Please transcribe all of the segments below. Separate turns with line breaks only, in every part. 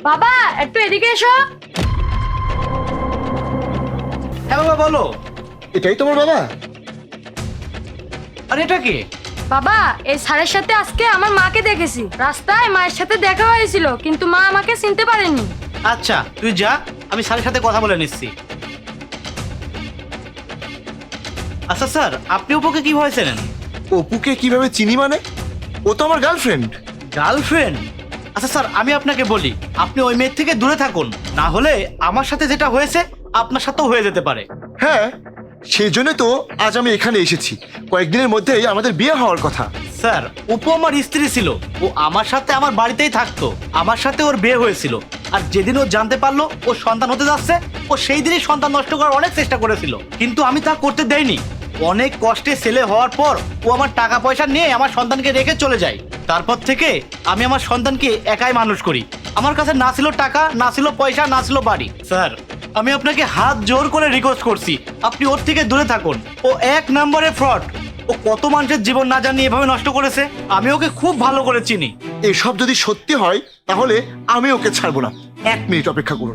বাবা একটু এদিকে এসো।
হ্যাঁ বাবা বলো।
এটাই তোমার বাবা?
আর এটা কি?
বাবা এই স্যারের সাথে আজকে আমার মাকে দেখেছি, রাস্তায় মায়ের সাথে দেখা হয়েছিল কিন্তু মা আমাকে চিনতে পারেনি।
আচ্ছা তুই যা, আমি স্যারের সাথে কথা বলে নিচ্ছি। আচ্ছা স্যার, আপনি অপুকে কিভাবে চেনেন?
অপুকে কিভাবে চিনি মানে? ও তো আমার গার্লফ্রেন্ড।
গার্লফ্রেন্ড? আচ্ছা স্যার, আমি আপনাকে বলি, আপনি ওই মেয়ের থেকে দূরে থাকুন, না হলে আমার সাথে যেটা হয়েছে আপনার সাথেও হয়ে যেতে পারে।
হ্যাঁ, সেই জন্য তো আজ আমি এখানে এসেছি। কয়েকদিনের মধ্যেই আমাদের বিয়ে হওয়ার কথা।
স্যার, অপু আমার স্ত্রী ছিল, ও আমার সাথে আমার বাড়িতেই থাকতো, আমার সাথে ওর বিয়ে হয়েছিল। আর যেদিন ও জানতে পারলো ও সন্তান হতে যাচ্ছে, ও সেই দিনই সন্তান নষ্ট করার অনেক চেষ্টা করেছিল, কিন্তু আমি তা করতে দেইনি। অনেক কষ্টে ছেলে হওয়ার পর ও আমার টাকা পয়সা নিয়ে আমার সন্তানকে রেখে চলে যায়। তারপর থেকে আমি আমার সন্তানকে একাই মানুষ করি। আমার কাছে না ছিল টাকা, না ছিল পয়সা, না ছিল বাড়ি। স্যার, আমি আপনাকে হাত জোর করে রিকোয়েস্ট করছি, আপনি ওর থেকে দূরে থাকুন। ও এক নম্বরে ফ্রড। ও কত মানুষের জীবন না জানি এভাবে নষ্ট করেছে, আমি ওকে খুব ভালো করে চিনি।
এসব যদি সত্যি হয় তাহলে আমি ওকে ছাড়বো না। 1 মিনিট অপেক্ষা করুন।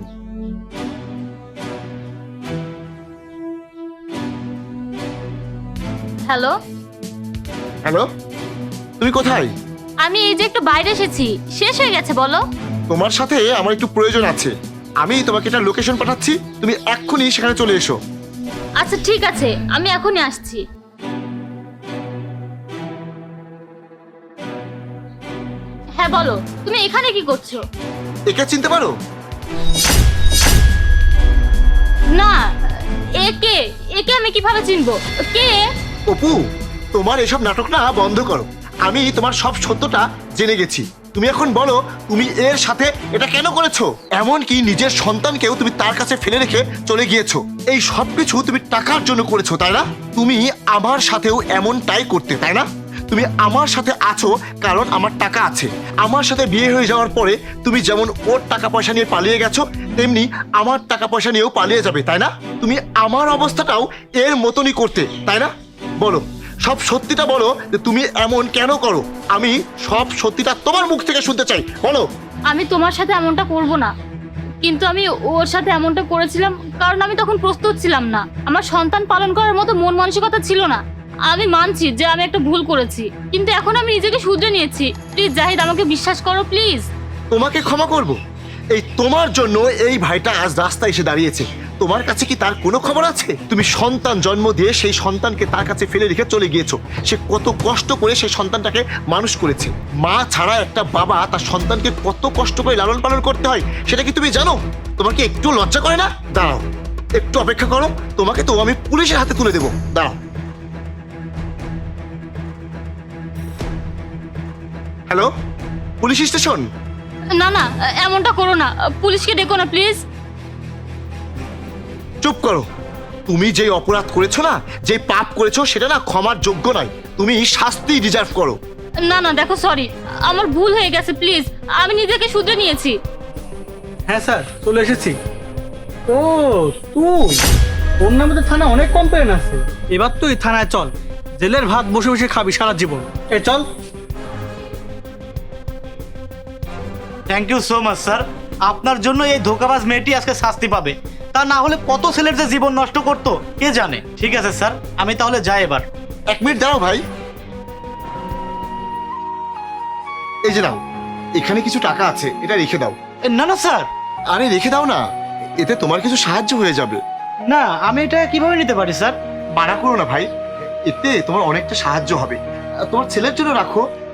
হ্যালো,
হ্যালো, তুমি কোথায়?
আমি এই যে একটু বাইরে এসেছি, শেষ হয়ে গেছে বলো।
তোমার সাথে আমার একটু প্রয়োজন আছে। আমি তোমাকে একটা লোকেশন পাঠাচ্ছি, তুমি এক্ষুনি সেখানে চলে এসো।
আচ্ছা ঠিক আছে, আমি এখনই আসছি। হ্যাঁ বলো, তুমি এখানে কি করছো?
একে চিনতে পারো?
না, একে একে আমি কিভাবে চিনবো? কে?
অপু, তোমার এসব নাটক না বন্ধ করো। আমি তোমার সব সত্যটা জেনে গেছি। তুমি এখন বলো তুমি এর সাথে এটা কেন করেছো? এমনকি নিজের সন্তানকেও তুমি তার কাছে ফেলে রেখে চলে গিয়েছো। এই সব কিছু তুমি টাকার জন্য করেছো, তাই না? তুমি আমার সাথেও এমনটাই করতে, তাই না? তুমি আমার সাথে আছো কারণ আমার টাকা আছে। আমার সাথে বিয়ে হয়ে যাওয়ার পরে তুমি যেমন ওর টাকা পয়সা নিয়ে পালিয়ে গেছো, তেমনি আমার টাকা পয়সা নিয়েও পালিয়ে যাবে, তাই না? তুমি আমার অবস্থাটাও এর মতনই করতে, তাই না? বলো, সব সত্যিটা বলো যে তুমি এমন কেন করো। আমি সব সত্যিটা তোমার মুখ থেকে শুনতে চাই, বলো।
আমি তোমার সাথে এমনটা করব না, কিন্তু আমি ওর সাথে এমনটা করেছিলাম কারণ আমি তখন প্রস্তুত ছিলাম না। আমার সন্তান পালন করার মতো মন মানসিকতা ছিল না। আমি মানছি যে আমি একটা ভুল করেছি, কিন্তু এখন আমি নিজেকে শুধরে নিয়েছি। প্লিজ জাহিদ, আমাকে বিশ্বাস করো প্লিজ।
তোমাকে ক্ষমা করব? এই তোমার জন্য এই ভাইটা আজ রাস্তায় এসে দাঁড়িয়েছে। তোমার কাছে কি তার কোনো খবর আছে? তুমি সন্তান জন্ম দিয়ে সেই সন্তানকে তার কাছে ফেলে রেখে চলে গিয়েছো। সে কত কষ্ট করে সেই সন্তানটাকে মানুষ করেছে। মা ছাড়া একটা বাবা তার সন্তানকে কত কষ্ট করে লালন পালন করতে হয়, সেটা কি তুমি জানো? তোমাকে একটু লজ্জা করে না? দাঁড়াও, একটু অপেক্ষা করো, তোমাকে তো আমি পুলিশের হাতে তুলে দেবো। দাঁড়াও। Hello, police station?
না না, এমনটা করো না, পুলিশকে ডেকো না প্লিজ।
চুপ করো। তুমি যেই অপরাধ করেছো না, যে পাপ করেছো, সেটা না ক্ষমার যোগ্য নয়। তুমি শাস্তি ডিজার্ভ করো।
না না দেখো, সরি, আমার ভুল হয়ে গেছে, প্লিজ। আমি নিজেকে শুধরে নিয়েছি।
হ্যাঁ স্যার, চলে এসেছি। ও তুই, তোর নামে তো থানা অনেক কমপ্লেন আছে। এবার তুই থানায় চল, জেলের ভাত বসে বসে খাবি সারা জীবন। এ চল।
Thank you so much sir. আপনার জন্য এই ধোঁকাবাজ মেয়েটি আজকে শাস্তি পাবে। তা না হলে কত ছেলের যে জীবন নষ্ট করতো কে জানে। ঠিক আছে স্যার, আমি তাহলে যাই এবার।
1 মিনিট দাঁড়াও ভাই। এই যে নাও, এখানে কিছু টাকা আছে, এটা রেখে দাও।
না না স্যার।
আরে রেখে দাও না, এতে তোমার কিছু সাহায্য হয়ে যাবে।
না, আমি এটা কিভাবে নিতে পারি স্যার?
মানা করো না ভাই, এতে তোমার অনেকটা সাহায্য হবে। তোমার ছেলের জন্য রাখো,